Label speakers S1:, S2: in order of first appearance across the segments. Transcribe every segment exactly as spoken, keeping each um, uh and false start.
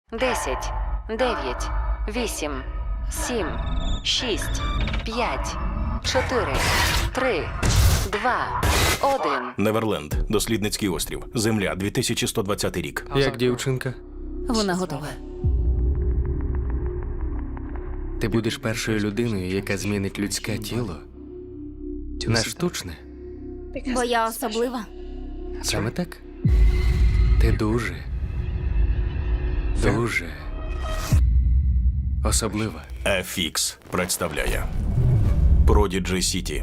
S1: Десять, дев'ять, вісім, сім, шість, п'ять, чотири, три, два, один.
S2: Неверленд. Дослідницький острів. Земля. дві тисячі сто двадцятий рік.
S3: Як дівчинка?
S1: Вона готова.
S3: Ти будеш першою людиною, яка змінить людське тіло на штучне.
S4: Бо я особлива.
S3: Саме так? Ти дуже, дуже особлива.
S2: еф ікс представляє Prodigy City.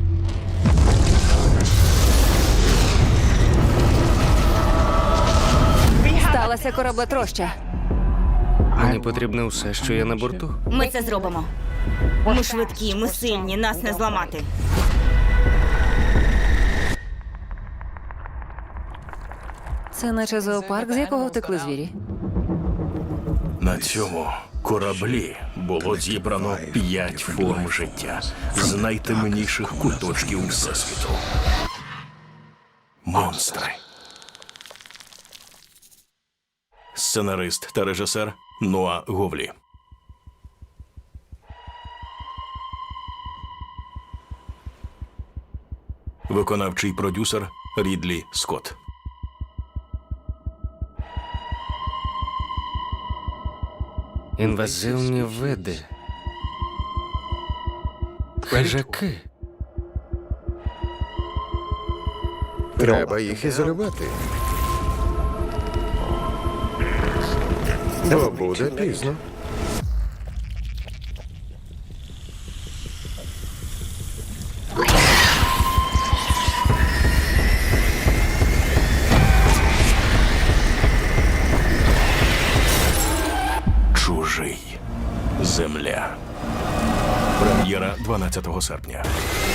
S1: Сталася кораблетроща.
S3: Мені потрібно все, що є на борту.
S4: Ми це зробимо. Ми швидкі, ми сильні, нас не зламати.
S1: Це наче зоопарк, з якого втекли звірі.
S2: На цьому кораблі було зібрано п'ять форм життя з найтемніших куточків Всесвіту. Монстри. Сценарист та режисер Ноа Говлі. Виконавчий продюсер Рідлі Скотт.
S3: Інвазивні види. Хижаки.
S5: Треба їх ізолювати. Бо буде пізно.
S2: Чужий. Земля. Прем'єра дванадцятого серпня.